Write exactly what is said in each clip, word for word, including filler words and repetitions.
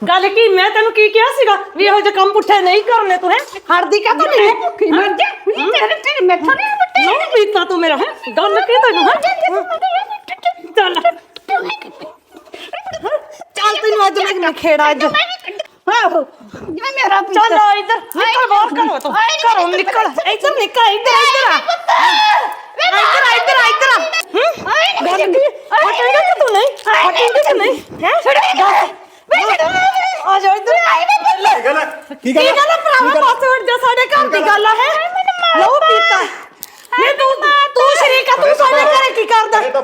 गल की मैं तेन की क्या सीगा भी ਇਹੋ ਜਿਹੇ ਕੰਮ ਪੁੱਠੇ ਨਹੀਂ ਕਰਨੇ ਤੂੰ ਹੈ ਹੜਦੀ ਕਾ ਤੂੰ ਨਹੀਂ ਭੁੱਖੀ ਮਰ ਜਾ ਤੇਰੇ ਤੇਰੇ ਮੈਥੋਂ ਨਹੀਂ ਬੁੱਟੇ ਨਹੀਂ ਪੀਤਾ ਤੂੰ ਮੇਰਾ ਹੈ ਗੱਲ ਕੀ ਤੈਨੂੰ ਹੈ ਚੱਲ ਚੱਲ ਤੈਨੂੰ ਅੱਜ ਮੈਂ ਖੇੜਾ ਅੱਜ ਆਹੋ ਜਿਵੇਂ ਮੇਰਾ ਚੱਲ ਇੱਧਰ ਨਿਕਲ ਬਾਹਰ ਕਰੋ ਤੂੰ ਘਰੋਂ ਨਿਕਲ ਇੱਧਰ ਨਿਕਲ ਇੱਧਰ ਇੱਧਰ ਇੱਧਰ ਇੱਧਰ ਇੱਧਰ ਹੂੰ ਗੱਲ ਕੀ ਹਟੇਗਾ ਕਿ ਤੂੰ ਨਹੀਂ ਹਟੇਗਾ ਕਿ ਨਹੀਂ ਹੈ ਆ ਜਾ ਇੱਧਰ ਕੀ ਗੱਲ ਹੈ ਕੀ ਗੱਲ ਹੈ ਭਰਾਵਾ ਪਾਸਵਰਡ ਜਾ ਸਾਡੇ ਘਰ ਦੀ ਗੱਲ ਹੈ ਲਓ ਪੀਤਾ ਨਹੀਂ ਤੂੰ ਤੂੰ ਸ਼ਰੀਕਾ ਤੂੰ ਸਾਡੇ ਘਰੇ ਕੀ ਕਰਦਾ ਹੈ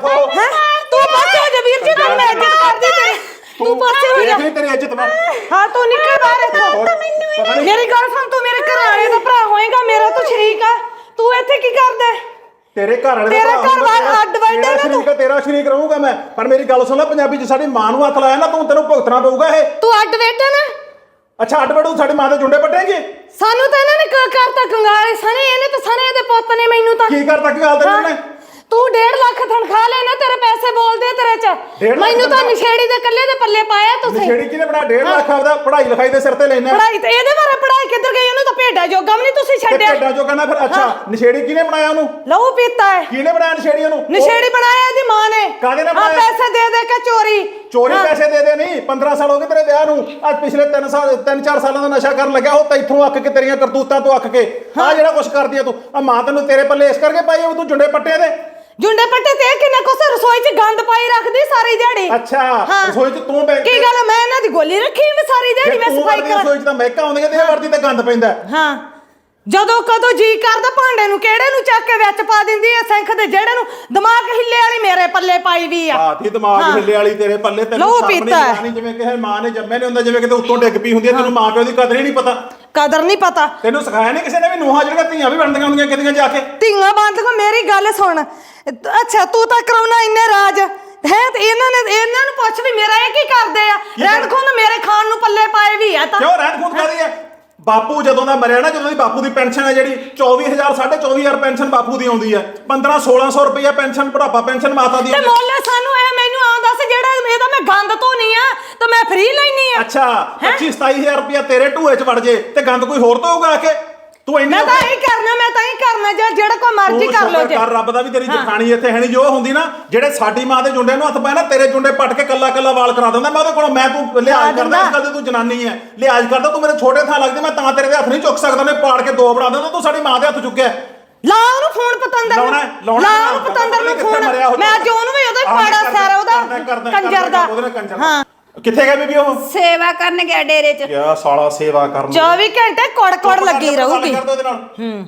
ਤੂੰ ਪਾਸੇ ਹੋ ਜਾ ਵੀਰ ਜੀ ਤਾਂ ਮੈਂ ਇੱਜ਼ਤ ਕਰਦੀ ਤੇਰੀ ਤੂੰ ਪਾਸੇ ਹੋ ਜਾ ਦੇਖ ਤੇਰੀ ਇੱਜ਼ਤ ਮੈਂ ਹਾਂ ਤੂੰ ਨਿਕਲ ਬਾਹਰ ਇੱਥੋਂ ਮੇਰੀ ਗੱਲ ਸੁਣ ਤੂੰ ਮੇਰੇ ਘਰ ਵਾਲੇ ਦਾ ਭਰਾ ਹੋਏਗਾ ਮੇਰਾ ਤੂੰ ਸ਼ਰੀਕ ਆ ਤੂੰ ਇੱਥੇ ਕੀ ਕਰਦਾ ਤੇਰੇ ਘਰ ਵਾਲੇ ਤੇਰਾ ਘਰ ਵਾਲਾ ਅੱਡ ਵੱਡਾ ਨਾ ਤੂੰ ਤੇਰਾ ਸ਼ਰੀਕ ਰਹੂੰਗਾ ਮੈਂ ਪਰ ਮੇਰੀ ਗੱਲ ਸੁਣ ਲੈ ਪੰਜਾਬੀ ਚ ਸਾਡੀ ਮਾਂ ਨੂੰ ਹੱਥ ਲਾਇਆ ਨਾ ਤੂੰ ਤੈਨੂੰ ਭੁਗਤਣਾ ਪਊਗਾ ਇਹ ਤੂੰ ਅੱਡ ਬੈਠਾ ਨਾ ਅੱਛਾ ਅੱਡ ਬੜੂ ਸਾਡੀ ਮਾਂ ਦੇ ਜੁੰਡੇ ਪੱਟੇਂਗੇ ਸਾਨੂੰ ਤਾਂ ਇਹਨਾਂ ਨੇ ਕਰਤਾ ਕੰਗਾਲੇ ਸਣੇ ਇਹਨੇ ਤਾਂ ਸਣੇ ਦੇ ਪੁੱਤ ਨੇ ਮੈਨੂੰ ਤਾਂ ਕੀ ਕਰਤਾ ਕੀ ਹਾਲ ਤੈਨੂੰ ਨੇ ਤੂੰ ਡੇਢ ਲੱਖ ਤਨਖਾਹ ਲੈਣਾ ਤੇਰੇ ਪੈਸੇ ਬੋਲਦੇ ਤੇਰੇ ਚ ਮੈਨੂੰ ਤਾਂ ਨਸ਼ੇੜੀ ਦੇ ਕੱਲੇ ਦੇ ਪੱਲੇ ਪਾਇਆ ਤੁਸੀਂ ਨਸ਼ੇੜੀ ਕਿਨੇ ਬਣਾ ਡੇਢ ਲੱਖ ਆਪਦਾ ਪੜ੍ਹਾਈ ਲਿਖਾਈ ਦੇ ਸਿਰ ਤੇ ਲੈਣਾ ਪੜ੍ਹਾਈ ਤੇ ਇਹਦੇ ਬਾਰੇ ਪੜ੍ਹਾਈ ਕਿੱਧਰ ਗਈ ਉਹਨੂੰ ਤਾਂ ਭੇਡਾ ਜੋਗਾ ਵੀ ਨਹੀਂ ਤੁਸੀਂ ਛੱਡਿਆ ਭੇਡਾ ਜੋਗਾ ਨਾ ਫਿਰ ਅੱਛਾ ਨਸ਼ੇੜੀ ਕਿਨੇ ਬਣਾਇਆ ਉਹਨੂੰ ਲਹੂ ਪੀਤਾ ਹੈ ਕਿਨੇ ਬਣਾਇਆ ਨਸ਼ੇੜੀ ਉਹਨੂੰ ਨਸ਼ੇੜੀ ਬਣਾਇਆ ਇਹਦੀ ਮਾਂ ਨੇ ਕਾਹਦੇ ਨਾਲ ਆ ਬਣਾਇਆ ਪੈਸੇ ਦੇ ਦੇ ਕੇ ਚੋਰੀ ਚੋਰੀ ਪੈਸੇ ਦੇ ਦੇ ਨਹੀਂ ਪੰਦਰਾਂ ਸਾਲ ਹੋ ਗਏ ਤੇਰੇ ਵਿਆਹ ਨੂੰ ਅੱਜ ਪਿਛਲੇ ਤਿੰਨ ਸਾਲ ਤਿੰਨ ਚਾਰ ਸਾਲਾਂ ਦਾ ਨਸ਼ਾ ਕਰਨ ਲੱਗਿਆ ਉਹ ਤੈਥੋਂ ਅੱਕ ਕੇ ਤੇਰੀਆਂ ਕਰਤੂਤਾਂ ਤੋਂ ਅੱਕ ਕੇ ਆ ਜਿਹੜਾ ਕੁਛ ਕਰਦੀ ਆ ਤੂੰ ਆ ਮਾਂ ਤੈਨੂੰ ਤੇਰੇ ਪੱਲੇ ਇਸ ਕਰਕੇ ਪਾਈ ਆ ਤੂੰ ਜੁੰਡੇ ਪੱਟੇ ਦੇ ਜੁੰਡੇ ਪੱਟੇ ਤੇ ਕਿੰਨੇ ਕੁਛ ਰਸੋਈ 'ਚ ਗੰਦ ਪਾਈ ਰੱਖਦੀ ਸਾਰੀ ਦਿਹਾੜੀ ਅੱਛਾ ਰਸੋਈ 'ਚ ਤੂੰ ਬੈ ਕੀ ਗੱਲ ਮੈਂ ਇਹਨਾਂ ਦੀ ਗੋਲੀ ਰੱਖੀ ਮੈਂ ਸਾਰੀ ਦਿਹਾੜੀ ਮੈਂ ਸਫਾਈ ਕਰ ਰਸੋਈ 'ਚ ਤਾਂ ਮਹਿਕਾ ਆਉਂਦੀਆਂ ਤੇ ਵਰਦੀ ਤੇ ਗੰਦ ਪੈਂਦਾ ਹਾਂ ਜਦੋਂ ਕਦੋਂ ਜੀ ਕਰਦਾ ਭਾਂਡੇ ਨੂੰ ਕਿਹੜੇ ਨੂੰ ਚੱਕ ਕੇ ਵਿੱਚ ਪਾ ਦਿੰਦੀ ਐ ਸਿੰਖ ਦੇ ਜਿਹੜੇ ਨੂੰ ਦਿਮਾਗ ਹਿੱਲੇ ਵਾਲੀ ਮੇਰੇ ਪੱਲੇ ਪਾਈ ਵੀ ਆ ਹਾਂ ਤੀ ਦਿਮਾਗ ਹਿੱਲੇ ਵਾਲੀ ਤੇਰੇ ਪੱਲੇ ਤੈਨੂੰ ਸਾਹਮਣੇ ਨਹੀਂ ਜਿਵੇਂ ਕਿਸੇ ਮਾਂ ਨੇ ਜੰਮੇ ਨਹੀਂ ਹੁੰਦਾ ਜਿਵੇਂ ਕਿਤੇ ਉੱਤੋਂ ਡਿੱਗ ਪਈ ਹੁੰਦੀ ਹੈ ਤੈਨੂੰ ਮਾਂ ਪਿਓ ਦੀ ਕਦਰ ਹੀ ਨਹੀਂ ਪਤਾ ਕਦਰ ਨਹੀਂ ਪਤਾ ਤੈਨੂੰ ਸਿਖਾਇਆ ਨਹੀਂ ਕਿਸੇ ਨੇ ਵੀ ਨੂੰਹਾਂ ਜਿਹੜੀਆਂ ਧੀਆਂ ਵੀ ਬਣਦੀਆਂ ਹੁੰਦੀਆਂ ਕਿਤੇ ਜਾ ਕੇ ਧੀਆਂ ਬੰਦ ਮੇਰੀ ਗੱਲ ਸੁਣ ਅੱਛਾ ਤੂੰ ਤਾਂ ਕਰਾਉਣਾ ਇੰਨੇ ਰਾਜ ਹੈ ਤੇ ਇਹਨਾਂ ਨੇ ਇਹਨਾਂ ਨੂੰ ਪੁੱਛ ਵੀ ਮੇਰਾ ਇਹ ਕੀ ਕਰਦੇ ਆ ਰਹਿਣ ਖੁੰਦ ਮੇਰੇ ਖਾਣ ਨੂੰ ਪੱਲੇ ਪਾਏ ਵੀ ਆ ਤਾਂ ਕਿਉਂ ਰਹਿਣ ਖੁੰਦ ਕਾਦੀ ਹੈ ਬਾਪੂ ਜਦੋਂ ਦਾ ਮਰਿਆ ਨਾ ਜਦੋਂ ਦੀ ਬਾਪੂ ਦੀ ਪੈਨਸ਼ਨ ਹੈ ਜਿਹੜੀ ਚੌਵੀ ਹਜ਼ਾਰ ਸਾਢੇ ਚੌਵੀ ਹਜ਼ਾਰ ਪੈਨਸ਼ਨ ਬਾਪੂ ਦੀ ਆਉਂਦੀ ਹੈ ਪੰਦਰਾਂ ਸੋਲਾਂ ਸੌ ਰੁਪਇਆ ਪੈਨਸ਼ਨ ਬੁਢਾਪਾ ਪੈਨਸ਼ਨ ਮਾਤਾ ਦੀ ਤੇ ਮੋਲੇ ਸਾਨੂੰ ਇਹ ਮੈਨੂੰ ਆਂ ਦੱਸ ਜਿਹੜਾ ਇਹਦਾ ਮੈਂ ਗੰਦ ਧੋਣੀ ਆ ਤਾਂ ਮੈਂ ਫ੍ਰੀ ਲੈਣੀ ਆ ਅੱਛਾ ਪੱਚੀ ਸਤਾਈ ਹਜ਼ਾਰ ਰੁਪਇਆ ਤੇਰੇ ਢੂਏ 'ਚ ਵੜ ਜੇ ਤੇ ਗੰਦ ਕੋਈ ਹੋਰ ਧੋਊਗਾ ਆ ਕੇ ਤੂੰ ਇੰਨੀ ਮੈਂ ਤਾਂ ਹੀ ਕਰਨਾ ਮੈਂ ਤਾਂ ਹੀ ਕਰਨਾ ਜਾਂ ਜਿਹੜਾ ਕੋਈ ਮਰਜ਼ੀ ਕਰ ਲੋ ਜੇ ਕਰ ਰੱਬ ਦਾ ਵੀ ਤੇਰੀ ਜਖਾਣੀ ਇੱਥੇ ਹੈ ਨਹੀਂ ਜੋ ਹੁੰਦੀ ਨਾ ਜਿਹੜੇ ਸਾਡੀ ਮਾਂ ਦੇ ਜੁੰਡੇ ਨੂੰ ਹੱਥ ਪਾਇਆ ਨਾ ਤੇਰੇ ਜੁੰਡੇ ਪੱਟ ਕੇ ਕੱਲਾ ਕੱਲਾ ਵਾਲ ਕਰਾ ਦਿੰਦਾ ਮੈਂ ਉਹਦੇ ਕੋਲੋਂ ਮੈਂ ਤੂੰ ਲਿਹਾਜ਼ ਕਰਦਾ ਇਸ ਗੱਲ ਤੇ ਤੂੰ ਜਨਾਨੀ ਹੈ ਲਿਹਾਜ਼ ਕਰਦਾ ਤੂੰ ਮੇਰੇ ਛੋਟੇ ਥਾਂ ਲੱਗਦੀ ਮੈਂ ਤਾਂ ਤੇਰੇ ਦੇ ਹੱਥ ਨਹੀਂ ਚੁੱਕ ਸਕਦਾ ਉਹਨੇ ਪਾੜ ਕੇ ਦੋ ਬਣਾ ਦਿੰਦਾ ਤੂੰ ਸਾਡੀ ਮਾਂ ਦੇ ਹੱਥ ਚੁੱਕਿਆ ਲਾ ਉਹਨੂੰ ਫੋਨ ਪਤੰਦਰ ਲਾਉਣਾ ਲਾ ਉਹਨੂੰ ਪਤੰਦਰ ਨੂੰ ਫੋਨ ਮੈਂ ਅੱਜ ਉਹਨੂੰ ਵੀ ਉਹਦਾ ਪਾੜਾ ਸਾਰਾ ਉਹਦਾ ਕੰਜਰ ਦਾ ਹਾਂ ਕਿੱਥੇ ਗਿਆ ਬੀਬੀ ਉਹ ਸੇਵਾ ਕਰਨ ਗਿਆ ਡੇਰੇ 'ਚ ਕਿਆ ਸਾਲਾ ਸੇਵਾ ਕਰਨ ਚੌਵੀ ਘੰਟੇ ਕੋੜ ਕੋੜ ਲੱਗੀ ਰਹੂਗੀ ਹੂੰ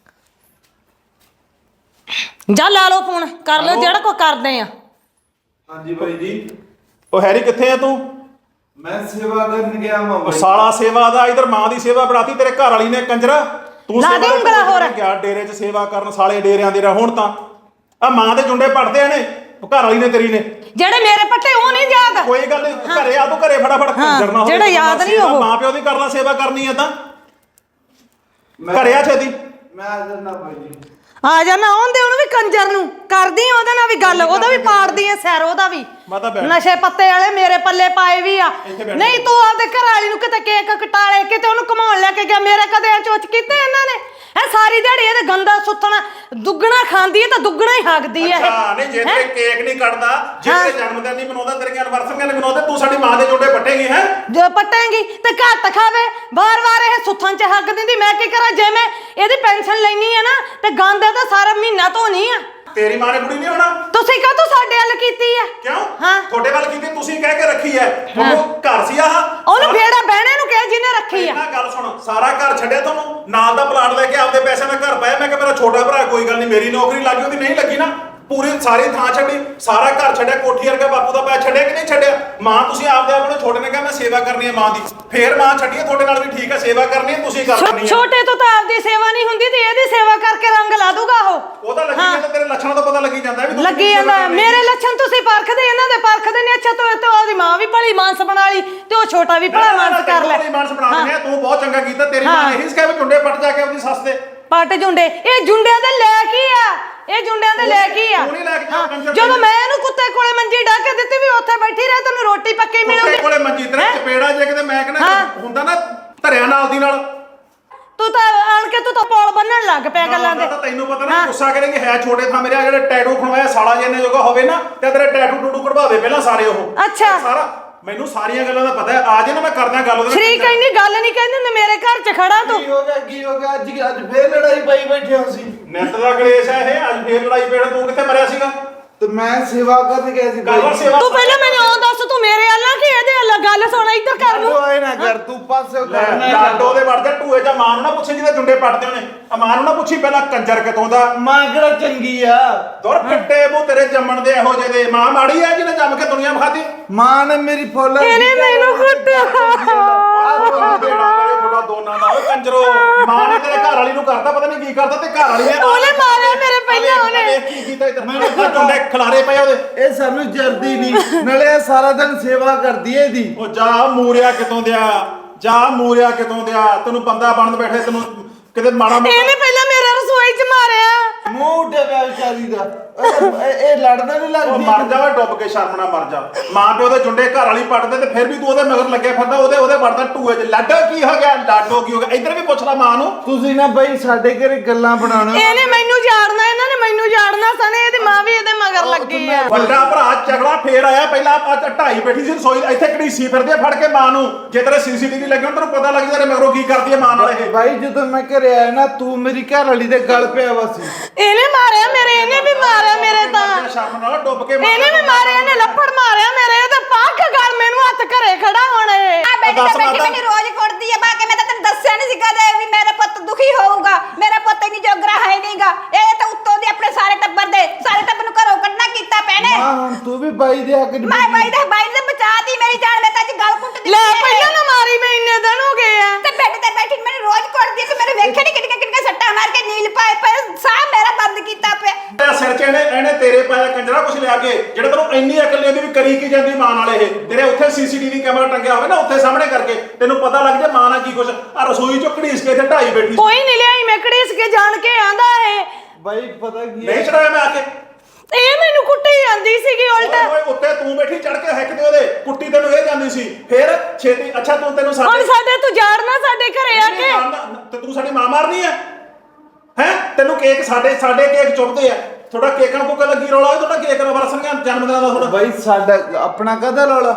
ਜਾ ਲਾ ਲਓ ਫੋਨ ਕਰ ਲਓ ਜਿਹੜਾ ਕੋ ਕਰਦੇ ਆ ਹਾਂਜੀ ਭਾਈ ਜੀ ਉਹ ਹੈਰੀ ਕਿੱਥੇ ਆ ਤੂੰ ਮੈਂ ਸੇਵਾ ਕਰਨ ਗਿਆ ਮਾਂ ਉਹ ਸਾਲਾ ਸੇਵਾ ਦਾ ਇਧਰ ਮਾਂ ਦੀ ਸੇਵਾ ਬਣਾਤੀ ਤੇਰੇ ਘਰ ਵਾਲੀ ਨੇ ਕੰਜਰਾ ਤੂੰ ਲਾ ਦੇ ਉਂਗਲਾ ਹੋਰ ਗਿਆ ਡੇਰੇ 'ਚ ਸੇਵਾ ਕਰਨ ਸਾਲੇ ਡੇਰਿਆਂ ਦੇ ਹੁਣ ਤਾਂ ਆ ਮਾਂ ਦੇ ਜੁੰਡੇ ਪੜਦੇ ਨੇ ਘਰ ਵਾਲੀ ਨੇ ਤੇਰੀ ਨੇ ਜਿਹੜੇ ਮੇਰੇ ਪੱਟੇ ਉਹ ਨਹੀਂ ਯਾਦ ਕੋਈ ਗੱਲ ਨਹੀਂ ਘਰੇ ਆ ਤੂੰ ਘਰੇ ਫਟਾਫਟ ਕੰਜਰ ਨਾ ਹੋਵੇ ਜਿਹੜਾ ਯਾਦ ਨਹੀਂ ਉਹ ਮਾਂ ਪਿਓ ਦੀ ਕਰ ਲਾ ਸੇਵਾ ਕਰਨੀ ਹੈ ਤਾਂ ਘਰੇ ਆ ਛੇਤੀ ਮੈਂ ਆ ਜਾਣਾ ਭਾਈ ਜੀ ਆ ਜਾ ਨਾ ਆਉਂਦੇ ਉਹਨੂੰ ਵੀ ਕੰਜਰ ਨੂੰ ਕਰਦੀ ਉਹਦੇ ਨਾਲ ਵੀ ਗੱਲ ਉਹਦਾ ਵੀ ਪਾੜਦੀ ਐ ਸੈਰ ਉਹਦਾ ਵੀ ਨਸ਼ੇ ਪੱਤੇ ਵਾਲੇ ਮੇਰੇ ਪੱਲੇ ਪਾਏ ਵੀ ਆ ਨਹੀਂ ਤੂੰ ਆਪਦੇ ਘਰ ਵਾਲੀ ਨੂੰ ਕਿਤੇ ਕੇਕ ਕਟਾਲੇ ਕਿਤੇ ਉਹਨੂੰ ਘਮਾਉਣ ਲੈ ਕੇ ਗਿਆ ਮੇਰੇ ਕਦੇ ਚੋਚ ਕੀਤੇ ਇਹਨਾਂ ਨੇ ਇਹ ਸਾਰੀ ਦਿਹਾੜੀ ਇਹਦੇ ਗੰਦਾ ਸੁੱਤਣਾ ਦੁੱਗਣਾ ਖਾਂਦੀ ਐ ਤਾਂ ਦੁੱਗਣਾ ਹੀ ਹੱਗਦੀ ਐ ਅੱਛਾ ਨਹੀਂ ਜੇ ਤੇ ਕੇਕ ਨਹੀਂ ਕੱਟਦਾ ਜੇ ਤੇ ਜਨਮ ਦਿਨ ਨਹੀਂ ਮਨਾਉਂਦਾ ਤੇਰੀਆਂ ਐਨਵਰਸਰੀਆਂ ਨਹੀਂ ਮਨਾਉਂਦੇ ਤੂੰ ਸਾਡੀ ਮਾਂ ਦੇ ਜੋੜੇ ਪੱਟੇਗੀ ਹੈ ਜੋ ਪੱਟੇਗੀ ਤੇ ਘੱਟ ਖਾਵੇ ਵਾਰ-ਵਾਰ ਇਹ ਸੁੱਥਾਂ 'ਚ ਹੱਗ ਦਿੰਦੀ ਮੈਂ ਕੀ ਕਰਾਂ ਜੇ ਮੈਂ ਇਹਦੀ ਪੈਨਸ਼ਨ ਲੈਣੀ ਆ ਨਾ ਤੇ ਗੰਦ ਤਾਂ ਸਾਰਾ ਮਹੀਨਾ ਧੋਣੀ ਆ ਤੇਰੀ ਮਾਂ ਨੇ ਬੁੜੀ ਨਹੀਂ ਹੋਣਾ ਤੁਸੀਂ ਕਾਹ ਤੋਂ ਸਾਡੇ ਵੱਲ ਕੀਤੀ ਆ ਕਿਉਂ ਹਾਂ ਤੁਹਾਡੇ ਵੱਲ ਕੀਤੀ ਤੁਸੀਂ ਕਹਿ ਕੇ ਰੱਖੀ ਐ ਤੁਹਾਨੂੰ ਘਰ ਸੀ ਆਹ ਉਹਨੂੰ ਫੇੜਾ ਬਹਿਣੇ ਨੂੰ ਕਿਹਾ ਜਿਹਨੇ ਰੱਖੀ ਆ ਇਹਨਾਂ ਗੱਲ ਸੁਣ ਸਾਰਾ ਘਰ ਛੱਡਿਆ ਤੁਹਾਨੂੰ ਨਾਲ ਦਾ ਪਲਾਟ ਲੈ ਕੇ ਆਪਦੇ ਪੈਸਿਆਂ ਦਾ ਘਰ ਪਾਇਆ ਮੈਂ ਕਿ ਮੇਰਾ ਛੋਟਾ ਭਰਾ ਕੋਈ ਗੱਲ ਨਹੀਂ ਮੇਰੀ ਨੌਕਰੀ ਲੱਗੀ ਉਹਦੀ ਨਹੀਂ ਲੱਗੀ ਨਾ ਪੂਰੀ ਸਾਰੀ ਥਾਂ ਛੱਡੀ ਸਾਰਾ ਘਰ ਛੱਡਿਆ ਕੋਠੀ ਵਰਗਾ ਬਾਪੂ ਦਾ ਪੈਸਾ ਛੱਡਿਆ ਕਿ ਨਹੀਂ ਛੱਡਿਆ ਮਾਂ ਤੁਸੀਂ ਆਪਦੇ ਆਪ ਨੂੰ ਛੋਟੇ ਨੇ ਕਿਹਾ ਮੈਂ ਸੇਵਾ ਕਰਨੀ ਹੈ ਮਾਂ ਦੀ ਫੇਰ ਮਾਂ ਛੱਡੀਏ ਤੁਹਾਡੇ ਨਾਲ ਵੀ ਠੀਕ ਹੈ ਸੇਵਾ ਕਰਨੀ ਹੈ ਤੁਸੀਂ ਕਰਨੀ ਹੈ ਛੋਟੇ ਤੋਂ ਤਾਂ ਆਪਦੀ ਸੇਵਾ ਨਹੀਂ ਹੁੰਦੀ ਤੇ ਇਹਦੀ ਸੇਵਾ ਕਰਕੇ ਰੰਗ ਲਾ ਦੂਗਾ ਉਹ ਉਹ ਤਾਂ ਲੱਗੀ ਜਾਂਦਾ ਤੇਰੇ ਲੱਛਣਾਂ ਤੋਂ ਪਤਾ ਲੱਗੀ ਜਾਂਦਾ ਵੀ ਲੱਗੀ ਜਾਂਦਾ ਮੇਰੇ ਲੱਛਣ ਤੁਸੀਂ ਪਰਖਦੇ ਇਹਨਾਂ ਦੇ ਪਰਖਦੇ ਨੇ ਅੱਛਾ ਤੂੰ ਤੇ ਉਹਦੀ ਮਾਂ ਵੀ ਭਲੀ ਮਾਨਸ ਬਣਾ ਲਈ ਤੇ ਉਹ ਛੋਟਾ ਵੀ ਭਲਾ ਮਾਨਸ ਕਰ ਲੈ ਭਲੀ ਮਾਨਸ ਬਣਾ ਦਿੰਦੇ ਤੂੰ ਬਹੁਤ ਚੰਗਾ ਕੀਤਾ ਤੇਰੀ ਮਾਂ ਨੇ ਇਹੀ ਸਿਖਾਇਆ ਵੀ ਝੁੰਡੇ ਪੱਟ ਜਾ ਕੇ ਆਪਣੀ ਸੱਸ ਦੇ ਪੱਟ ਜੁੰਡੇ ਇਹ ਜੁੰਡਿਆਂ ਦੇ ਲੈ ਕੀ ਆ ਇਹ ਜੁੰਡਿਆਂ ਦੇ ਲੈ ਕੀ ਆ ਤੂੰ ਨਹੀਂ ਲੈ ਕੇ ਜਾ ਕੰਜਰ ਜਦੋਂ ਮੈਂ ਇਹਨੂੰ ਕੁੱਤੇ ਕੋਲੇ ਮੰਜੀ ਢਾ ਕੇ ਦਿੱਤੀ ਵੀ ਉੱਥੇ ਬੈਠੀ ਰਹਿ ਤੈਨੂੰ ਰੋਟੀ ਪੱਕੀ ਕੁੱਤੇ ਮਿਲੂਗੀ ਕੋਲੇ ਮੰਜੀ ਤੇਰੇ ਚਪੇੜਾ ਜੇ ਕਿਤੇ ਮੈਂ ਕਹਿੰਦਾ ਹੁੰਦਾ ਨਾ ਧਰਿਆ ਨਾਲ ਦੀ ਨਾਲ ਤੂੰ ਤਾਂ ਆਣ ਕੇ ਤੂੰ ਤਾਂ ਪੌਲ ਬੰਨਣ ਲੱਗ ਪਿਆ ਗੱਲਾਂ ਦੇ ਤਾਂ ਤੈਨੂੰ ਪਤਾ ਨਾ ਗੁੱਸਾ ਕਰੇਂਗੇ ਹੈ ਛੋਟੇ ਥਾਂ ਮੇਰੇ ਆ ਜਿਹੜੇ ਟੈਟੂ ਖਣਵਾਇਆ ਸਾਲਾ ਜਿੰਨੇ ਜੋਗਾ ਹੋਵੇ ਨਾ ਤੇ ਤੇਰੇ ਟੈਟੂ ਟੂਟੂ ਕਢਵਾ ਦੇ ਪਹਿਲਾਂ ਸਾਰੇ ਉਹ ਅੱਛਾ ਸਾਰਾ ਮੈਨੂੰ ਸਾਰੀਆਂ ਗੱਲਾਂ ਦਾ ਪਤਾ ਹੈ ਆ ਜੇ ਨਾ ਮੈਂ ਕਰਦਾ ਗੱਲ ਉਹਦੇ ਨਾਲ ਸ਼ਰੀਕ ਇੰਨੀ ਗੱਲ ਨਹੀਂ ਕਹਿੰਦੇ ਹੁੰਦੇ ਮੇਰੇ ਘਰ 'ਚ ਖੜਾ ਤੂੰ ਕੀ ਹੋ ਗਿਆ ਕੀ ਹੋ ਗਿਆ ਅੱਜ ਅੱਜ ਫੇਰ ਲੜਾਈ ਪਾਈ ਬੈਠੇ ਹੋ ਸੀ ਨਿੱਤ ਦਾ ਕਲੇਸ਼ ਹੈ ਇਹ ਅੱਜ ਫੇਰ ਲੜਾਈ ਪੇੜ ਤੂੰ ਕਿੱਥੇ ਮਰਿਆ ਸੀਗਾ ਤੇ ਮੈਂ ਸੇਵਾ ਕਰਨ ਗਿਆ ਸੀ ਗੱਲ ਸੇਵਾ ਤੂੰ ਪਹਿਲਾਂ ਮੈਨੂੰ ਉਹ ਦੱਸ ਤੂੰ ਮੇਰੇ ਅੱਲਾ ਕੀ ਇਹਦੇ ਅੱਲਾ ਗੱਲ ਸੁਣ ਇੱਧਰ ਕਰ ਨੂੰ ਆਏ ਨਾ ਕਰ ਤੂੰ ਪਾਸੇ ਕਰਨਾ ਲਾਡੋ ਦੇ ਵੜ ਜਾ ਟੂਏ ਜਾਂ ਮਾਂ ਨੂੰ ਨਾ ਪੁੱਛੇ ਜਿਹਦੇ ਜੁੰਡੇ ਪੱਟਦੇ ਉਹਨੇ ਆ ਮਾਂ ਨੂੰ ਨਾ ਪੁੱਛੀ ਪਹਿਲਾਂ ਕੰਜਰ ਕਿਤੋਂ ਦਾ ਮਾਂ ਕਿਹੜਾ ਚੰਗੀ ਆ ਦੁਰ ਫਿੱਟੇ ਮੂੰਹ ਤੇਰੇ ਜੰਮਣ ਦੇ ਇਹੋ ਜਿਹੇ ਦੇ ਮਾਂ ਮਾੜੀ ਆ ਜਿਹਨੇ ਜੰਮ ਕੇ ਦੁਨੀਆ ਵਿਖਾਤੀ ਮਾਂ ਨੇ ਮੇਰੀ ਫੁੱਲ ਇਹਨੇ ਮੈਨੂੰ ਕੁੱਟਿਆ ਤੁਹਾਡਾ ਦੋਨਾਂ ਦਾ ਓਏ ਕੰਜਰੋ ਮਾਂ ਨੇ ਤੇਰੇ ਘਰ ਵਾਲੀ ਨੂੰ ਕਰਤਾ ਪਤਾ ਨਹੀਂ ਕੀ ਕਰਤਾ ਤੇ ਘਰ ਵਾਲੀ ਨੇ ਉਹਨੇ ਮਾਰਿਆ ਮੇਰੇ ਪਹਿਲਾਂ ਉਹਨੇ। ਵੇਖ ਕੀ ਕੀਤਾ ਇੱਧਰ ਮੈਨੂੰ ਜੁੰਡੇ ਖਿਲਾਰੇ ਪਏ ਉਹਦੇ ਇਹ ਸਾਨੂੰ ਜਰਦੀ ਨਹੀਂ ਨਾਲੇ ਇਹ ਸਾਰਾ ਦਿਨ ਸੇਵਾ ਕਰਦੀ ਏ ਇਹਦੀ ਉਹ ਜਾ ਮੂਰਿਆ ਕਿਤੋਂ ਦਿਆ ਜਾ ਮੂਰਿਆ ਕਿਤੋਂ ਦਿਆ ਤੈਨੂੰ ਬੰਦਾ ਬਣਨ ਬੈਠੇ ਤੈਨੂੰ ਕਿਤੇ ਮਾੜਾ ਇਹਨੇ ਪਹਿਲਾਂ ਮੇਰੇ ਰਸੋਈ 'ਚ ਮਾਰਿਆ ਮੂੰਹ ਉੱਡਿਆ ਪਿਆ ਵਿਚਾਰੀ ਦਾ ਇਹ- ਇਹ ਇਹ ਲੜਦਾ ਨਹੀਂ ਉਹ ਲੱਗਦੀ ਮਰ ਜਾ ਓਏ ਡੁੱਬ ਕੇ ਸ਼ਰਮ ਨਾਲ ਮਰ ਜਾ ਮਾਂ ਪਿਓ ਦੇ ਜੁੰਡੇ ਘਰ ਵਾਲੀ ਪੱਟਦੇ ਤੇ ਫਿਰ ਵੀ ਤੂੰ ਉਹਦੇ ਮਗਰ ਲੱਗਿਆ ਫਿਰਦਾ ਉਹਦੇ ਉਹਦੇ ਵੜਦਾ ਟੂਏ 'ਚ ਲਾਡੋ ਕੀ ਹੋ ਗਿਆ ਲਾਡੋ ਕੀ ਹੋ ਗਿਆ ਇੱਧਰ ਵੀ ਪੁੱਛ ਲੈ ਮਾਂ ਨੂੰ ਤੁਸੀਂ ਨਾ ਬਈ ਸਾਡੇ ਘਰੇ ਗੱਲਾਂ ਬਣਾਉਣਾ ਇਹਨੇ ਮੈਨੂੰ ਜਾੜਨਾ ਇਹਨਾਂ ਨੇ ਮੈਨੂੰ ਜਾੜਨਾ ਸਨੇ ਇਹਦੀ ਮਾਂ ਵੀ ਇਹਦੇ ਮਗਰ ਲੱਗੀ ਆ ਵੱਡਾ ਭਰਾ ਝਗੜਾ ਫੇਰ ਆਇਆ ਪਹਿਲਾਂ ਆ ਢਾਈ ਬੈਠੀ ਸੀ ਰਸੋਈ ਇੱਥੇ ਘੜੀਸੀ ਫਿਰਦੀ ਆ ਫੜ ਕੇ ਮਾਂ ਨੂੰ ਜੇ ਤੇਰੇ ਸੀਸੀਟੀਵੀ ਲੱਗੇ ਹੋਣ ਤੈਨੂੰ ਪਤਾ ਲੱਗ ਜਾਏ ਮਗਰੋਂ ਕੀ ਕਰਦੀ ਹੈ ਮਾਂ ਨਾਲ ਇਹ ਭਾਈ ਜਦੋਂ ਮੈਂ ਘਰੇ ਆਇਆ ਨਾ ਤੂੰ ਮੇਰੀ ਘਰ ਵਾਲੀ ਦੇ ਗਲ ਪਿਆ ਵਾ ਸੀ ਇਹਨੇ ਮਾਰਿਆ ਮੇਰੇ ਇਹਨੇ ਵੀ ਮਾਰਿਆ ਮੇਰੇ ਤਾਂ ਸ਼ਰਮ ਨਾਲ ਡੁੱਬ ਕੇ ਇਹਨੇ ਵੀ ਮਾਰਿਆ ਇਹਨੇ ਲੱਫੜ ਮਾਰਿਆ ਮੇਰੇ ਤੇ ਪੱਕ ਗਲ ਮੈਨੂੰ ਹੱਥ ਘਰੇ ਖੜਾ ਹੁਣ ਇਹ ਆ ਬੈਠੀ ਤਾਂ ਬੈਠੀ ਮੈਨੂੰ ਰੋਜ਼ ਕੁੱਟਦੀ ਆ ਬਾਕੀ ਮੈਂ ਤਾਂ ਤੈਨੂੰ ਦੱਸਿਆ ਨਹੀਂ ਸੀ ਕਦੇ ਵੀ ਮੇਰਾ ਪੁੱਤ ਦੁਖੀ ਹੋਊਗਾ ਮੇਰਾ ਪੁੱਤ ਇੰਨੀ ਜੋਗਰਾ ਹੈ ਨਹੀਂਗਾ ਇਹ ਤਾਂ ਉੱਤੋਂ ਦੀ ਆਪਣੇ ਸਾਰੇ ਟੱਬਰ ਦੇ ਸਾਰੇ ਟੱਬਰ ਨੂੰ ਘਰੋਂ ਕੱਢਣਾ ਕੀਤਾ ਪੈਣੇ ਮਾਂ ਹੁਣ ਤੂੰ ਵੀ ਬਾਈ ਦੇ ਹੱਕ ਚ ਮੈਂ ਬਾਈ ਦਾ ਬਾਈ ਨੇ ਬਚਾਤੀ ਮੇਰੀ ਜਾਨ ਮੈਂ ਤਾਂ ਅੱਜ ਗੱਲ ਕੁੱਟ ਦਿੱਤੀ ਲੈ ਪਹਿਲਾਂ ਨਾ ਮਾਰੀ ਮੈਂ ਇੰਨੇ ਦਿਨ ਹੋ ਗਏ ਆ ਤੇ ਬੈੱਡ ਤੇ ਬੈਠੀ ਮੈਨੂੰ ਰੋਜ਼ ਕੁੱਟਦੀ ਤੇ ਮੇਰੇ ਵੇਖੇ ਨਹੀਂ ਕਿੰਨੇ ਕਿੰਨੇ ਸੱਟਾਂ ਮਾਰ ਕੇ ਨੀਲ ਪਾਏ ਪਏ ਸਾਹ ਮੇਰਾ ਬੰਦ ਕੀਤਾ ਪਿਆ ਤੇਰਾ ਸਿਰ 'ਚ ਇਹਨੇ ਇਹਨੇ ਤੇਰੇ ਪਾਇਆ ਕੰਜਰਾ ਕੁਛ ਲਿਆ ਕੇ ਜਿਹੜਾ ਤੈਨੂੰ ਇੰਨੀ ਅਕਲ ਨਹੀਂ ਆਉਂਦੀ ਵੀ ਕਰੀ ਕੀ ਜਾਂਦੀ ਮਾਂ ਨਾਲ ਇਹ ਤੇਰੇ ਉੱਥੇ ਸੀਸੀਟੀਵੀ ਕੈਮਰਾ ਟੰਗਿਆ ਹੋਵੇ ਨਾ ਉੱਥੇ ਸਾਹਮਣੇ ਕਰਕੇ ਤੈਨੂੰ ਪਤਾ ਲੱਗ ਜਾ ਮਾਂ ਨਾਲ ਕੀ ਕੁਛ ਆ ਰਸੋਈ 'ਚੋਂ ਘੜੀਸ ਕੇ ਇੱਥੇ ਢਾਈ ਬੈਠੀ ਸੀ। ਕੋਈ ਨਹੀਂ ਲਿਆਈ ਮੈਂ ਘੜੀਸ ਕੇ ਜਾਣ ਕੇ ਆਂਦਾ ਇਹ ਬਾਈ ਪਤਾ ਕੀ ਨਹੀਂ ਚੜਾਇਆ ਮੈਂ ਆ ਕੇ ਇਹ ਮੈਨੂੰ ਕੁੱਟੀ ਜਾਂਦੀ ਸੀਗੀ ਉਲਟਾ ਓਏ ਉੱਤੇ ਤੂੰ ਬੈਠੀ ਚੜ ਕੇ ਹੈਕ ਤੇ ਉਹਦੇ ਕੁੱਟੀ ਤੈਨੂੰ ਇਹ ਜਾਂਦੀ ਸੀ ਫਿਰ ਛੇਤੀ ਅੱਛਾ ਤੂੰ ਤੈਨੂੰ ਹੁਣ ਸਾਡੇ ਸਾਡੇ ਤੂੰ ਜਾੜਨਾ ਸਾਡੇ ਘਰੇ ਆ ਕੇ ਤੇ ਤੂੰ ਸਾਡੀ ਮਾਂ ਮਾਰਨੀ ਹੈ ਹੈ ਤੈਨੂੰ ਕੇਕ ਸਾਡੇ ਸਾਡੇ ਕੇਕ ਚੁੱਪਦੇ ਆ ਥੋੜਾ ਕੇਕਾਂ ਕੋਕਾ ਲੱਗੀ ਰੌਲਾ ਹੋਏ ਤੁਹਾਡਾ ਕੇਕ ਨਾਲ ਵਰਸਣਗੇ ਜਨਮ ਦਿਨਾਂ ਦਾ ਥੋੜਾ ਬਾਈ ਸਾਡਾ ਆਪਣਾ ਕਦਾ ਰੌਲਾ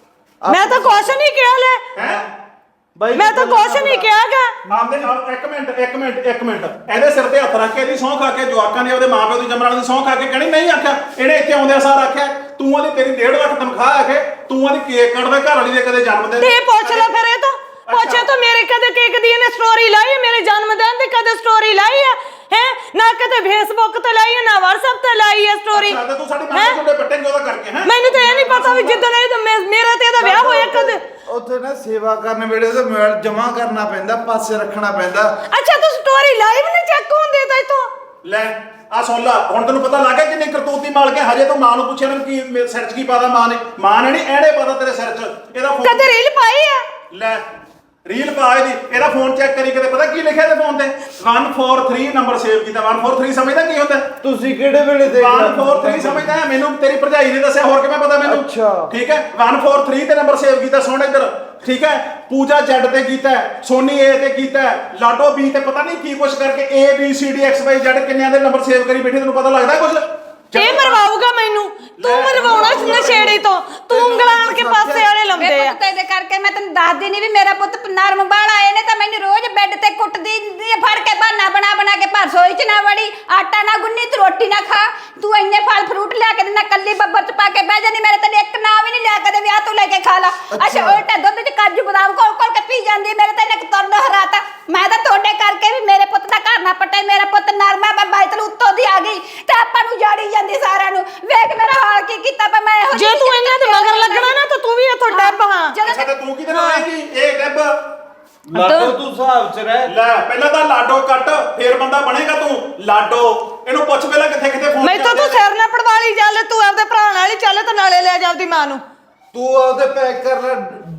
ਮੈਂ ਤਾਂ ਕੁਛ ਨਹੀਂ ਕਿਹਾ ਲੈ ਹੈ ਬਾਈ ਮੈਂ ਤਾਂ ਕੁਛ ਨਹੀਂ ਕਿਹਾਗਾ ਆਪਦੇ ਨਾਲ ਇੱਕ ਮਿੰਟ ਇੱਕ ਮਿੰਟ ਇੱਕ ਮਿੰਟ ਇਹਦੇ ਸਿਰ ਤੇ ਹੱਥ ਰੱਖ ਕੇ ਇਹਦੀ ਸਹੁੰ ਖਾ ਕੇ ਜਵਾਕਾਂ ਨੇ ਉਹਦੇ ਮਾਪਿਓ ਦੀ ਜੰਮਣ ਵਾਲੀ ਦੀ ਸਹੁੰ ਖਾ ਕੇ ਕਹਿਣੀ ਨਹੀਂ ਆਖਿਆ ਇਹਨੇ ਇੱਥੇ ਆਉਂਦਿਆਂ ਸਾਰ ਆਖਿਆ ਤੂੰ ਉਹਦੀ ਤੇਰੀ ਡੇਢ ਲੱਖ ਤਨਖਾਹ ਆਖੇ ਤੂੰ ਉਹਦੀ ਕੇਕ ਕੱਟਦਾ ਘਰ ਵਾਲੀ ਦੇ ਕਦੇ ਜਨਮ ਦਿਨ ਤੇ ਪੁੱਛ ਲੈ ਫਿਰ ਇਹ ਤਾਂ ਪੁੱਛੇ ਤਾਂ ਮੇਰੇ ਕਦੇ ਕੇਕ ਦੀ ਇਹਨੇ ਸਟੋਰੀ ਲਾਈ ਹੈ ਮੇਰੇ ਜਨਮ ਦਿਨ ਦੀ ਕਦੇ ਸਟੋਰੀ ਲਾਈ ਹੈ ਹੈ ਨਾ ਕਦੇ ਫੇਸਬੁੱਕ ਤੇ ਲਾਈ ਹੈ ਨਾ WhatsApp ਤੇ ਲਾਈ ਹੈ ਸਟੋਰੀ ਅੱਛਾ ਤੂੰ ਸਾਡੀ ਮਾਂ ਦੇ ਜੁੰਡੇ ਪੱਟੇਂਗੇ ਉਹਦਾ ਕਰਕੇ ਹੈ ਮੈਨੂੰ ਤਾਂ ਇਹ ਨਹੀਂ ਪਤਾ ਵੀ ਜਿੱਦਣ ਇਹ ਤਾਂ ਮੇ- ਮੇਰਾ ਤੇ ਇਹਦਾ ਵਿਆਹ ਹੋਇਆ ਕਦੇ ਉੱਥੇ ਨਾ ਸੇਵਾ ਕਰਨ ਵੇਲੇ ਤੇ ਮੋਬਾਈਲ ਜਮਾ ਕਰਨਾ ਪੈਂਦਾ ਪਾਸੇ ਰੱਖਣਾ ਪੈਂਦਾ ਅੱਛਾ ਤੂੰ ਸਟੋਰੀ ਲਾਈਵ ਨਹੀਂ ਚੈੱਕ ਹੁੰਦੀ ਤਾਂ ਇਤੋਂ ਲੈ ਆ ਸੁਣ ਲਾ ਹੁਣ ਤੈਨੂੰ ਪਤਾ ਲੱਗ ਗਿਆ ਕਿੰਨੀ ਕਰਤੂਤੀ ਮਾਲ ਕੇ ਹਜੇ ਤੂੰ ਮਾਂ ਨੂੰ ਪੁੱਛਿਆ ਨਾ ਕੀ ਮੇਰੇ ਸਿਰ 'ਚ ਕੀ ਪਾਦਾ ਮਾਂ ਨੇ ਮਾਂ ਨੇ ਨਹੀਂ ਐੜੇ ਪਾਦਾ ਤੇਰੇ ਸਿਰ 'ਚ ਇਹਦਾ ਫੋਨ ਕਦੇ ਰੀਲ ਪਾਈ ਆ ਲੈ ਰੀਲ ਪਾ ਇਹਦੀ ਇਹਦਾ ਫੋਨ ਚੈੱਕ ਕਰੀ ਕਿਤੇ ਪਤਾ ਕੀ ਲਿਖਿਆ ਤੇ ਫੋਨ ਤੇ ਇੱਕ ਚਾਰ ਤਿੰਨ ਨੰਬਰ ਸੇਵ ਕੀਤਾ ਇੱਕ ਚਾਰ ਤਿੰਨ ਸਮਝਦਾ ਕੀ ਹੁੰਦਾ ਤੁਸੀਂ ਕਿਹੜੇ ਵੇਲੇ ਦੇਖ ਇੱਕ ਚਾਰ ਤਿੰਨ ਸਮਝਦਾ ਹੈ ਮੈਨੂੰ ਤੇਰੀ ਭਰਜਾਈ ਨੇ ਦੱਸਿਆ ਹੋਰ ਕਿਵੇਂ ਪਤਾ ਮੈਨੂੰ ਅੱਛਾ। ਠੀਕ ਹੈ ਇੱਕ ਚਾਰ ਤਿੰਨ ਤੇ ਨੰਬਰ ਸੇਵ ਕੀਤਾ ਸੁਣ ਇੱਧਰ ਠੀਕ ਹੈ ਪੂਜਾ ਜੈਡ ਤੇ ਕੀਤਾ ਹੈ, ਸੋਨੀ ਏ ਤੇ ਕੀਤਾ ਹੈ, ਲਾਡੋ ਬੀ ਤੇ ਪਤਾ ਨਹੀਂ ਕੀ ਕੁਛ ਕਰਕੇ A B C D X Y Z ਕਿੰਨਿਆਂ ਦੇ ਨੰਬਰ ਸੇਵ ਕਰੀ ਬੈਠੀ ਤੈਨੂੰ ਪਤਾ ਲੱਗਦਾ ਕੁਛ ਇਹ ਮਰਵਾਊਗਾ ਮੈਨੂੰ ਤੂੰ ਮਰਵਾਉਣਾ ਇਸ ਨਸ਼ੇੜੀ ਤੋਂ ਤੂੰ ਉਂਗਲਾਂ ਆਣ ਕੇ ਪਾਸੇ ਵਾਲੇ ਲੰਦੇ ਮੇਰੇ ਆ ਪੁੱਤ ਇਹਦੇ ਕਰਕੇ ਮੈਂ ਤੈਨੂੰ ਦੱਸਦੀ ਨਹੀਂ ਵੀ ਮੇਰਾ ਪੁੱਤ ਨਰਮ ਬਾਲਾ ਆਏ ਨੇ ਤਾਂ ਮੈਨੂੰ ਰੋਜ਼ ਬੈੱਡ ਤੇ ਕੁੱਟਦੀ ਹੁੰਦੀ ਆ, ਫੜ ਕੇ ਬਹਾਨਾ ਬਣਾ ਬਣਾ ਕੇ ਭਰ ਸੋਈ ਚ ਨਾ ਵੜੀ ਆਟਾ ਨਾ ਗੁੰਨੀ ਤੂੰ ਰੋਟੀ ਨਾ ਖਾ ਤੂੰ ਇੰਨੇ ਫਲ ਫਰੂਟ ਲਿਆ ਕੇ ਦਿੰਦਾ ਕੱਲੀ ਬੱਬਰ ਚ ਪਾ ਕੇ ਬਹਿ ਜਾਂਦੀ ਮੇਰੇ ਤੈਨੂੰ ਇੱਕ ਨਾ ਵੀ ਨਹੀਂ ਲਿਆ ਕਦੇ ਵਿਆਹ ਤੋਂ ਲੈ ਕੇ ਖਾ ਲਾ ਅੱਛਾ ਉਲਟਾ ਦੁੱਧ ਚ ਕਾਜੂ ਬਦਾਮ ਕੋਲ ਕੋਲ ਕੇ ਪੀ ਜਾਂਦੀ ਮੇਰੇ ਤੈਨੂੰ ਇੱਕ ਤੁਰਨ ਹਰਾਤਾ ਮੈਂ ਤਾਂ ਤੁਹਾਡੇ ਕਰਕੇ ਵੀ ਮੇਰੇ ਪੁੱਤ ਦਾ ਘਰ ਨਾ ਪਟੇ ਮੇਰਾ ਪੁੱਤ ਨਰਮਾ ਮੈਂ ਬਾਈਤਲ ਉੱਤੋਂ ਦੀ ਆ ਗਈ ਤੇ ਆਪਾਂ ਨੂੰ ਜਾੜੀ ਜਾਂਦੀ ਸਾਰਿਆਂ ਨੂੰ ਵੇਖ ਮੇਰਾ ਹਾਲ ਕੀ ਕੀਤਾ ਪਾ ਮੈਂ ਇਹੋ ਜੇ ਤੂੰ ਇਹਨਾਂ ਦੇ ਮਗਰ ਲੱਗਣਾ ਨਾ ਤਾਂ ਤੂੰ ਵੀ ਇੱਥੋਂ ਡੱਬ ਹਾਂ ਅੱਛਾ ਤੇ ਤੂੰ ਕਿਹਦੇ ਨਾਲ ਆਏਗੀ ਇਹ ਡੱਬ ਲਾਡੋ ਤੂੰ ਹਿਸਾਬ ਚ ਰਹਿ ਲੈ ਪਹਿਲਾਂ ਤਾਂ ਲਾਡੋ ਕੱਟ ਫੇਰ ਬੰਦਾ ਬਣੇਗਾ ਤੂੰ ਲਾਡੋ ਇਹਨੂੰ ਪੁੱਛ ਪਹਿਲਾਂ ਕਿੱਥੇ ਕਿੱਥੇ ਫੋਨ ਮੈਂ ਤਾਂ ਤੂੰ ਸਿਰ ਨਾ ਪੜਵਾਲੀ ਚੱਲ ਤੂੰ ਆਪਦੇ ਭਰਾ ਨਾਲ ਹੀ ਚੱਲ ਤੇ ਨਾਲੇ ਲੈ ਜਾ ਆਪਦੀ ਮਾਂ ਨੂੰ ਤੂੰ ਉਹਦੇ ਪੈਕ ਕਰ ਲੈ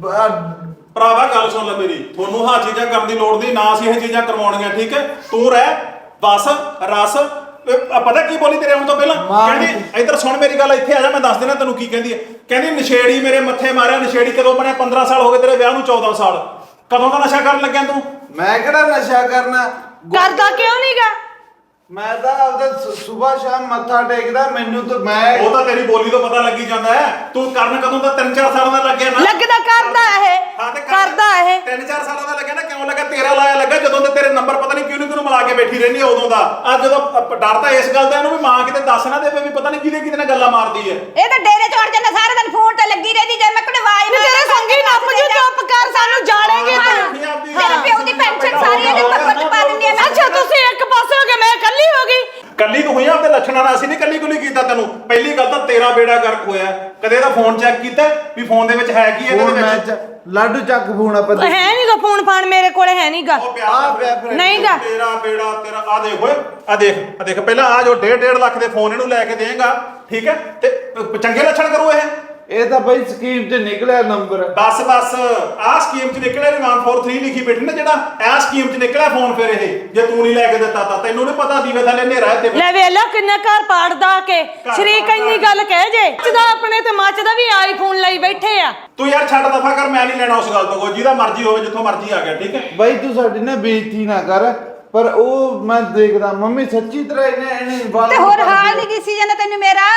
ਬ- ਭਰਾਵਾ ਗੱਲ ਸੁਣ ਲੈ ਮੇਰੀ ਤੁਹਾਨੂੰ ਹਾਂ ਚੀਜ਼ਾਂ ਕਰਨ ਦੀ ਲੋੜ ਨਹੀਂ ਨਾ ਅਸੀਂ ਇਹ ਚੀਜ਼ਾਂ ਕਰਵਾਉਣੀਆਂ ਠੀਕ ਹੈ ਤੂੰ ਰਹਿ ਬਸ ਰਸ ਆ ਪਤਾ ਕੀ ਬੋਲੀ ਤੇਰੇ ਆਉਣ ਤੋਂ ਪਹਿਲਾਂ ਮਾਂ ਕਹਿੰਦੀ ਇੱਧਰ ਸੁਣ ਮੇਰੀ ਗੱਲ, ਇੱਥੇ ਆ ਜਾ ਮੈਂ ਦੱਸ ਦੇਣਾ ਤੈਨੂੰ ਕੀ ਕਹਿੰਦੀ ਹੈ। ਕਹਿੰਦੀ ਨਸ਼ੇੜੀ ਮੇਰੇ ਮੱਥੇ ਮਾਰਿਆ, ਨਸ਼ੇੜੀ ਕਦੋਂ ਬਣਿਆ? ਪੰਦਰਾਂ ਸਾਲ ਹੋ ਗਏ ਤੇਰੇ ਵਿਆਹ ਨੂੰ, ਚੌਦਾਂ ਸਾਲ। ਕਦੋਂ ਦਾ ਨਸ਼ਾ ਕਰਨ ਲੱਗਿਆ ਤੂੰ? ਮੈਂ ਕਿਹੜਾ ਨਸ਼ਾ ਕਰਨਾ? ਕਰਦਾ ਕਿਉਂ ਨਹੀਂਗਾ? ਮੈਂ ਤਾਂ ਆਪਦਾ ਸਵੇਰ ਸ਼ਾਮ ਮੱਥਾ ਟੇਕਦਾ, ਮੈਨੂੰ ਤਾਂ ਮੈਂ ਉਹ ਤਾਂ ਤੇਰੀ ਬੋਲੀ ਤੋਂ ਪਤਾ ਲੱਗੀ ਜਾਂਦਾ ਹੈ। ਤੂੰ ਕਰਨ ਕਦੋਂ ਦਾ? ਤਿੰਨ ਚਾਰ ਸਾਲਾਂ ਦਾ ਲੱਗਿਆ ਨਾ। ਲੱਗਦਾ ਕਰਦਾ ਇਹ ਹਾਂ ਤੇ ਕਰਦਾ ਇਹ ਤਿੰਨ ਚਾਰ ਸਾਲਾਂ ਦਾ ਲੱਗਿਆ ਨਾ। ਕਿਉਂ ਲੱਗਾ? ਤੇਰਾ ਲਾਇਆ ਲੱਗਾ ਜਦੋਂ ਤੇ ਤੇਰੇ ਨੰਬਰ ਪਤਾ ਨਹੀਂ ਕਿਉਂ ਕਿਉਂ ਮਿਲਾ ਕੇ ਬੈਠੀ ਰਹਿੰਦੀ ਹੈ ਉਦੋਂ ਦਾ। ਅੱਜ ਜਦੋਂ ਅ- ਡਰ ਤਾਂ ਇਸ ਗੱਲ ਦਾ ਇਹਨੂੰ ਵੀ ਮਾਂ ਕਿਤੇ ਦੱਸ ਨਾ ਦੇਵੇ ਵੀ ਪਤਾ ਨਹੀਂ ਕਿਹਦੇ ਕਿਹਦੇ ਨਾਲ ਗੱਲਾਂ ਮਾਰਦੀ ਹੈ। ਇਹ ਤਾਂ ਡੇਰੇ ਚੜ ਜਾਂਦਾ ਸਾਰਾ ਦਿਨ ਫੋਨ ਤੇ ਲੱਗੀ ਰਹਿੰਦੀ, ਜੇ ਮੈਂ ਕੋਈ ਆਵਾਜ਼ ਨੀ ਤੇਰੇ ਸੰਗੀ ਨੱਪ ਜੂ, ਚੁੱਪ ਕਰ, ਸਾਨੂੰ ਜਾਣੇਗੇ ਤੂੰ। ਤੇਰੇ ਪਿਓ ਦੀ ਪੈਨਸ਼ਨ ਸਾਰੀ ਇਹਦੇ ਟੱਬਰ ਚ ਪਾ ਦਿੰਦੀ ਆ ਮੈਂ। ਅੱਛਾ ਤੁਸੀਂ ਇੱਕ ਪਾਸੇ ਹੋ ਗਏ, ਮੈਂ ਇਕੱਲੀ ਹੋ ਗਈ। ਕੱਲੀ ਤੂੰ ਹੋਈ ਆ ਆਪਦੇ ਲੱਛਣਾਂ ਨਾਲ। ਅਸੀਂ ਨਹੀਂ ਕੱਲੀ ਕੁਲੀ ਕੀਤਾ ਤੈਨੂੰ। ਪਹਿਲੀ ਗੱਲ ਤਾਂ ਤੇਰਾ ਬੇੜਾ ਗਰਕ ਹੋਇਆ। ਕਦੇ ਇਹਦਾ ਫੋਨ ਚੈੱਕ ਕੀਤਾ ਵੀ ਫੋਨ ਦੇ ਵਿੱਚ ਹੈ ਕੀ ਇਹਦੇ ਫੋਨ ਮੈਂ ਵਿੱਚ? ਚ- ਲਾਡੂ ਚੱਕ ਫੋਨ ਆਪਾਂ ਹੈ ਨਹੀਂਗਾ ਫੋਨ ਫਾਨ, ਮੇਰੇ ਕੋਲੇ ਹੈ ਨਹੀਂਗਾ। ਉਹ ਆ ਪਿਆ ਪਿਆ ਫਿਰ। ਨਹੀਂਗਾ। ਤੇਰਾ ਬੇੜਾ ਤੇਰਾ। ਆ ਦੇਖ ਓਏ, ਆ ਦੇਖ ਆ ਦੇਖ ਪਹਿਲਾਂ ਆ ਜੋ ਡੇਢ ਡੇਢ ਲੱਖ ਦੇ ਫੋਨ ਇਹਨੂੰ ਲੈ ਕੇ ਦੇਂਗਾ, ਠੀਕ ਹੈ? ਤੇ ਪ- ਚੰਗੇ ਲੱਛਣ ਕਰੂ ਇਹ। ਇਹ ਤਾਂ ਬਈ ਸਕੀਮ 'ਚ ਨਿਕਲਿਆ ਨੰਬਰ। ਬਸ ਬਸ ਆਹ ਸਕੀਮ 'ਚ ਨਿਕਲਿਆ ਵੀ ਇੱਕ ਚਾਰ ਤਿੰਨ ਲਿਖੀ ਬੈਠੀ ਨਾ, ਜਿਹੜਾ ਇਹ ਸਕੀਮ 'ਚ ਨਿਕਲਿਆ ਫੋਨ। ਫਿਰ ਇਹ ਜੇ ਤੂੰ ਨਹੀਂ ਲੈ ਕੇ ਦਿੱਤਾ ਤਾਂ ਤੈਨੂੰ ਨਹੀਂ ਪਤਾ ਦੀਵੇ ਥੱਲੇ ਹਨੇਰਾ ਹੈ ਤੇਰੇ। ਲੈ ਵੇਲਾ ਕਿੰਨਾ ਘਰ ਪਾੜਦਾ ਕੇ ਸ਼ਰੀਕ ਇੰਨੀ ਗੱਲ ਕਹਿ ਜੇ ਮੱਚਦਾ ਆਪਣੇ ਤੇ ਮੱਚਦਾ ਵੀ ਆਈਫੋਨ ਲਈ ਬੈਠੇ ਆ। ਤੂੰ ਯਾਰ ਛੱਡ ਦਫਾ ਕਰ, ਮੈਂ ਨਹੀਂ ਲੈਣਾ ਉਸ ਗੱਲ ਤੋਂ। ਕੋਈ ਜਿਹਦਾ ਮਰਜ਼ੀ ਹੋਵੇ, ਜਿੱਥੋਂ ਮਰਜ਼ੀ ਆ ਗਿਆ, ਠੀਕ ਹੈ? ਬਈ ਤੂੰ ਸਾਡੀ ਨਾ ਬੇਇੱਜ਼ਤੀ ਨਾ ਕਰ। ਪਰ ਉਹ ਮੈਂ ਦੇਖਦਾ ਮੰਮੀ ਸੱਚੀ ਤਰ੍ਹਾਂ ਇਹਨੇ ਇਹਨੇ ਵਾਲ ਤੇ ਹੋਰ ਹਾਲ ਨਹੀਂ ਦਿਸੀ ਜਾਂਦਾ ਤੈਨੂੰ ਮੇਰਾ?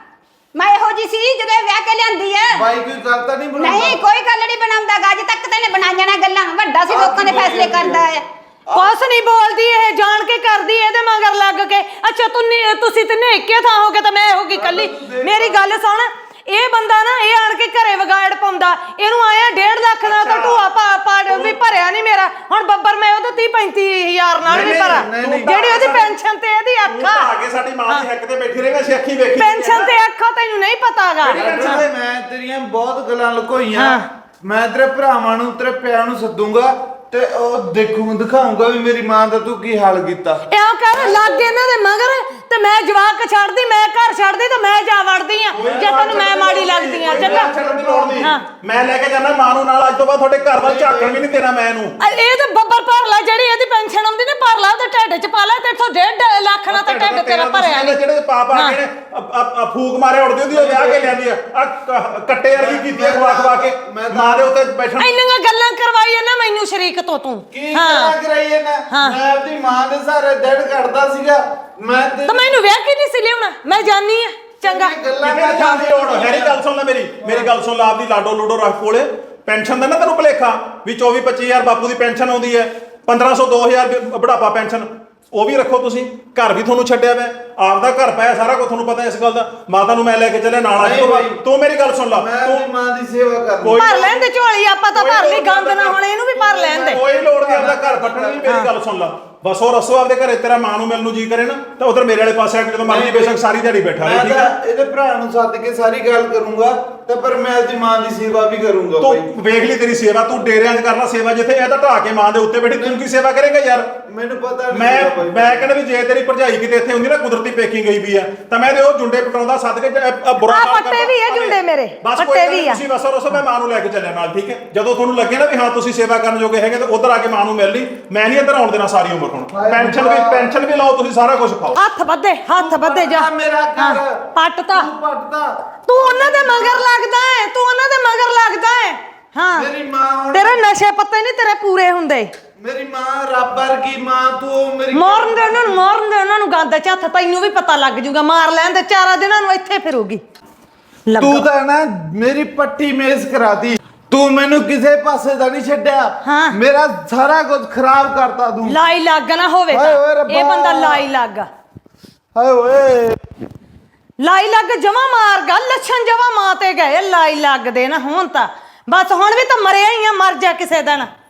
ਮੈਂ ਇਹੋ ਜੀ ਸੀ ਜਦੋਂ ਇਹ ਵਿਆਹ ਕੇ ਲਿਆਂਦੀ ਐ। ਬਾਈ ਕੋਈ ਗੱਲ ਤਾਂ ਨਹੀਂ ਬਣਾਉਂਦਾ? ਨਹੀਂ ਕੋਈ ਗੱਲ ਨਹੀਂ ਬਣਾਉਂਦਾ ਗਾ, ਅੱਜ ਤੱਕ ਤੈਨੇ ਬਣਾਈਆਂ ਨਾ ਗੱਲਾਂ। ਵੱਡਾ ਸੀ, ਲੋਕਾਂ ਦੇ ਫੈਸਲੇ ਕਰਦਾ ਹੈ। ਕੁਛ ਨਹੀਂ ਬੋਲਦੀ ਇਹ, ਜਾਣ ਕੇ ਕਰਦੀ ਇਹਦੇ ਮਗਰ ਲੱਗ ਕੇ। ਅੱਛਾ ਤੂੰ ਨੀ- ਤੁਸੀਂ ਤਿੰਨੇ ਇੱਕੇ ਥਾਂ ਹੋ ਗਏ ਤਾਂ ਮੈਂ ਹੋ ਗਈ ਕੱਲੀ। ਮੇਰੀ ਗੱਲ ਸੁਣ, ਇਹ ਬੰਦਾ ਨਾ ਇਹ ਆਣ ਕੇ ਘਰੇ ਵਿਗਾੜ ਪਾਉਂਦਾ। ਇਹਨੂੰ ਆਇਆ ਡੇਢ ਲੱਖ ਦਾ ਤਾਂ ਢੂਆ ਪਾ ਪਾ ਵੀ ਭਰਿਆ ਨਹੀਂ ਮੇਰਾ। ਹੁਣ ਬੱਬਰ ਮੈਂ ਉਹਦੇ ਤੀਹ ਪੈਂਤੀ ਹਜ਼ਾਰ ਨਾਲ ਵੀ ਨਹੀਂ, ਭਰਾ, ਨਹੀਂ, ਨਹੀਂ। ਜਿਹੜੀ ਉਹਦੀ ਪੈਨਸ਼ਨ ਤੇ ਇਹਦੀ ਤੂੰ ਅੱਖਾਂ ਤਾਂ ਆ ਕੇ ਸਾਡੀ ਮਾਂ ਦੀ ਹੱਕ ਤੇ ਬੈਠੀ ਰਹੇਗਾ, ਅਸੀਂ ਅੱਖੀ ਵੇਖੀ ਪੈਨਸ਼ਨ ਤੇ ਅੱਖਾਂ ਤੈਨੂੰ ਨਹੀਂ ਪਤਾਗਾ। ਲਾਡੂ, ਮੈਂ ਤੇਰੀਆਂ ਬਹੁਤ ਗੱਲਾਂ ਲੁਕੋਈਆਂ। ਹਾਂ। ਮੈਂ ਤੇਰੇ ਭਰਾਵਾਂ ਨੂੰ ਤੇਰੇ ਪਿਆਂ ਨੂੰ ਸੱਦੂਗਾ ਤੇ ਉਹ ਦੇਖੂ ਦਿਖਾਉਂਗਾ ਵੀ ਮੇਰੀ ਮਾਂ ਦਾ ਤੂੰ ਕੀ ਹਾਲ ਕੀਤਾ। ਇਉਂ ਕਰ ਲੱਗ ਇਹਨਾਂ ਦੇ ਮਗਰ ਤੇ ਮੈਂ ਜਵਾਕ ਛੱਡਦੀ, ਮੈਂ ਘਰ ਛੱਡਦੀ ਤੇ ਮੈਂ ਜਾ ਵੜਦੀ ਆ ਜੇ ਤੈਨੂੰ ਮੈਂ ਮਾੜੀ ਲੱਗਦੀ ਆ। ਚੰਗਾ ਛੱਡਣ ਦੀ ਲੋੜ ਨਹੀਂ। ਹਾਂ। ਮੈਂ ਲੈ ਕੇ ਜਾਣਾ ਮਾਂ ਨੂੰ ਨਾਲ। ਅੱਜ ਤੋਂ ਬਾਅਦ ਤੁਹਾਡੇ ਘਰ ਵੱਲ ਝਾਕਣ ਵੀ ਨਹੀਂ ਦੇਣਾ ਮੈਂ ਇਹਨੂੰ। ਅ- ਇਹ ਤਾਂ ਬੱਬਰ ਭਰ ਲਾ, ਜਿਹੜੀ ਇਹਦੀ ਪੈਨਸ਼ਨ ਆਉਂਦੀ ਨੇ ਭਰ ਲਾ, ਉਹਦੇ ਢਿੱਡ ਚ ਪਾ ਲਾ। ਤੇ ਇੱਥੋਂ ਡੇਢ ਲੱਖ ਨਾਲ ਤਾਂ ਢਿੱਡ ਤੇਰਾ ਭਰਿਆ ਨਹੀਂ। ਜਿਹੜੇ ਪਾਪਾ ਹਾਂ। ਕਿਹੜੇ ਅ- ਅ- ਫੂਕ ਮਾਰੇ ਉੜਦੇ ਉਹਦੀ ਉਹ ਵਿਆਹ ਕੇ ਲਿਆਂਦੀ ਆ। ਆ ਕ- ਕੱਟੇ ਵਰਗੀ ਕੀਤੀ ਆ ਖਵਾ ਖਵਾ ਕੇ ਮੈਂ ਤਾਂ- ਮਾਂ ਦੇ ਉੱਤੇ ਬੈਠਣ। ਇੰਨੀਆਂ ਗੱਲਾਂ ਕਰਵਾਈਆਂ ਨਾ ਮੈਨੂੰ ਸ਼ਰੀਕ ਤੋਂ ਤੂੰ। ਕੀ ਹਾਂ ਕਰਾ ਕਰਾਈਏ ਨਾ? ਹਾਂ। ਮੈਂ ਆਪਣੀ ਮਾਂ ਦੇ ਸਾਰੇ ਦਿਨ ਕੱਢਦਾ ਸੀਗਾ। ਮੈਂ ਤੇ ਤਾਂ ਮੈਨੂੰ ਵਿਆਹ ਕੀ ਨਹੀਂ ਸੀ ਲਿਆਉਣਾ, ਮੈਂ ਜਾਣੀ ਆ। ਚੰਗਾ ਗੱਲਾਂ ਕਿਤੇ ਜਾਣ ਦੀ ਲੋੜ ਹੈ ਨਹੀਂ। ਗੱਲ ਸੁਣ ਲੈ ਮੇਰੀ ਮੇਰੀ ਗੱਲ ਸੁਣ ਲੈ। ਆਪਦੀ ਲਾਡੋ ਲੂਡੋ ਰੱਖ ਕੋਲੇ। ਪੈਨਸ਼ਨ ਦਾ ਨਾ ਤੈਨੂੰ ਭੁਲੇਖਾ ਵੀ ਚੌਵੀ ਪੱਚੀ ਹਜ਼ਾਰ ਬਾਪੂ ਦੀ ਪੈਨਸ਼ਨ ਆਉਂਦੀ ਹੈ, ਪੰਦਰਾਂ ਸੌ ਦੋ ਹਜ਼ਾਰ ਬੁਢਾਪਾ ਪੈਨਸ਼ਨ ਉਹ ਵੀ ਰੱਖੋ ਤੁਸੀਂ। ਘਰ ਵੀ ਤੁਹਾਨੂੰ ਛੱਡਿਆ ਵਾ, ਆਪਦਾ ਘਰ ਪਾਇਆ, ਸਾਰਾ ਕੁਝ ਤੁਹਾਨੂੰ ਪਤਾ ਇਸ ਗੱਲ ਦਾ। ਮਾਤਾ ਨੂੰ ਮੈਂ ਲੈ ਕੇ ਚੱਲਿਆ ਨਾਲ। ਅੱਜ ਤੋਂ ਬਾਅਦ ਤੂੰ ਮੇਰੀ ਗੱਲ ਸੁਣ ਲਾ। ਮੈਂ ਤੂੰ ਆਪਣੀ ਮਾਂ ਦੀ ਸੇਵਾ ਕਰਨੀ। ਕੋਈ- ਭਰ ਲੈਣ ਦੇ ਝੋਲੀ, ਆਪਾਂ ਤਾਂ ਭਰ ਲਈ। ਗੰਦ ਨਾ ਹੁਣ ਇਹਨੂੰ ਵੀ ਭਰ ਲੈਣ ਦੇ। ਕੋਈ ਲੋੜ ਨਹੀਂ ਆਪਦਾ ਘਰ ਪੱਟਣ ਦੀ। ਮੇਰੀ ਗੱਲ ਸੁਣ ਲਾ ਬਸ। ਉਹ ਰਸੋ ਆਪਦੇ ਘਰੇ ਤੇਰਾ ਮਾਂ ਨੂੰ ਮਿਲਣ ਨੂੰ ਜੀ ਕਰੇ ਨਾ ਤਾਂ ਉਧਰ ਮੇਰੇ ਵਾਲੇ ਪਾਸੇ ਆ ਕੇ ਜਦੋਂ ਮਰਜ਼ੀ ਬੇਸ਼ੱਕ ਸਾਰੀ ਦਿਹਾੜੀ ਬੈਠਾ ਰਹੇ, ਮੈਂ ਠੀਕ ਤਾਂ ਹੈ? ਇਹਦੇ ਭਰਾ ਨੂੰ ਸੱਦ ਕੇ ਸਾਰੀ ਗੱਲ ਕਰੂੰਗਾ ਤੇ ਪਰ ਮੈਂ ਆਪਣੀ ਮਾਂ ਦੀ ਸੇਵਾ ਵੀ ਕਰੂੰਗਾ ਬਾਈ। ਤੂੰ ਵੇਖ ਲਈ ਤੇਰੀ ਸੇਵਾ। ਤੂੰ ਡੇਰਿਆਂ 'ਚ ਕਰਨਾ ਸੇਵਾ, ਜਿੱਥੇ ਇਹ ਤਾਂ ਢਾ ਕੇ ਮਾਂ ਦੇ ਉੱਤੇ ਬੈਠੀ ਤੂੰ ਕੀ ਸੇਵਾ ਕਰੇਗਾ ਯਾਰ? ਮੈਨੂੰ ਪਤਾ ਨਹੀਂ ਮੈਂ ਸੀਗਾ ਬਾਈ। ਮੈਂ ਕਹਿੰਦਾ ਵੀ ਜੇ ਤੇਰੀ ਭਰਜਾਈ ਕਿਤੇ ਇੱਥੇ ਹੁੰਦੀ ਨਾ, ਕੁਦਰਤੀ ਪੇਕੀ ਗਈ ਵੀ ਆ, ਤਾਂ ਮੈਂ ਤੇ ਉਹ ਜੁੰਡੇ ਪਟਾਉਂਦਾ ਸੱਦ ਕੇ ਜ- ਅ- ਬੁਰਾ ਆਹ ਕੰਮ ਪੱਟੇ ਕਰਦਾ। ਵੀ ਆ ਜੁੰਡੇ ਮੇਰੇ, ਬਸ ਪੱਟੇ ਕੋਈ ਗੱਲ ਵੀ ਨਹੀਂ, ਆ। ਤੁਸੀਂ ਬਸ ਰਸੋ ਮੈਂ ਮਾਂ ਨੂੰ ਲੈ ਕੇ ਚੱਲਿਆ ਨਾਲ, ਠੀਕ ਹੈ? ਜਦੋਂ ਤੁਹਾਨੂੰ ਲੱਗੇ ਨਾ ਵੀ ਹਾਂ ਤੁਸੀਂ ਸੇਵਾ ਕਰਨ ਜੋਗੇ ਹੈਗੇ ਤਾਂ ਉਧਰ ਆ ਕੇ ਮਾਂ ਨੂੰ ਮਿਲ ਲਈ। ਮੈਂ ਨਹੀਂ ਇੱਧਰ ਆਉਣ ਦੇਣਾ ਸਾਰੀ ਉਮਰ। ਹੁਣ ਹਾਏ ਪੈਨਸ਼ਨ ਵੀ ਰੱਬਾ। ਪੈਨਸ਼ਨ ਵੀ ਲਾਓ ਤੁਸੀਂ, ਸਾਰਾ ਕੁਝ ਖਾਓ। ਹੱਥ ਵੱਧੇ, ਹੱਥ ਵੱਧੇ ਜਾ। ਪੱਟਦਾ ਮੇਰਾ ਹਾਂ, ਘਰ। ਪੱਟਤਾ। ਤੂੰ ਪੱਟਦਾ। ਤੂੰ ਉਹਨਾਂ ਦੇ ਮਗਰ ਲੱਗਦਾ ਹੈ, ਤੂੰ ਉਹਨਾਂ ਦੇ ਮਗਰ ਲੱਗਦਾ ਹੈ। ਹਾਂ ਮੇਰੀ ਮਾਂ ਹੁਣ ਤੇਰੇ ਨਸ਼ੇ ਪੱਤੇ ਨਹੀਂ ਤੇਰੇ ਪੂਰੇ ਹੁੰਦੇ। ਮੇਰੀ ਮਾਂ ਰੱਬ ਵਰਗੀ ਮਾਂ ਤੂੰ ਮੇਰੀ ਮਾਰਨ ਦੇ ਉਹਨਾਂ ਨੂੰ, ਮਾਰਨ ਦੇ ਉਹਨਾਂ ਨੂੰ ਗੰਦ ਚ ਹੱਥ। ਤੈਨੂੰ ਵੀ ਪਤਾ ਲੱਗ ਜੂਗਾ, ਮਾਰ ਲੈਣ ਦੇ। ਚਾਰਾਂ ਦਿਨਾਂ ਨੂੰ ਇੱਥੇ ਫਿਰੂਗੀ। ਤੂੰ ਤਾਂ ਨਾ ਮੇਰੀ ਪੱਟੀ ਮੇਜ਼ ਕਰਾਤੀ। ਤੂੰ ਮੈਨੂੰ ਕਿਸੇ ਪਾਸੇ ਦਾ ਨਹੀਂ ਛੱਡਿਆ। ਹਾਂ। ਮੇਰਾ ਸਾਰਾ ਕੁਝ ਖਰਾਬ ਕਰਤਾ ਤੂੰ। ਲਾਈ ਲੱਗ ਨਾ ਹੋਵੇ ਹਾਏ ਓਏ ਤਾਂ। ਰੱਬਾ। ਇਹ ਬੰਦਾ ਲਾਈ ਲੱਗ ਹਾਏ ਓਏ। ਲਾਈ ਲੱਗ ਜਮਾ ਮਾਰ ਗਾ। ਲੱਛਣ ਜਮਾ ਮਾਂ ਤੇ ਗਏ। ਲਾਈ ਲੱਗ ਦੇ ਨਾ ਹੁਣ ਤਾਂ ਬਸ। ਹੁਣ ਵੀ ਤਾਂ ਮਰਿਆ ਹੀ ਆ, ਮਰ ਜਾ ਕਿਸੇ ਦਿਨ।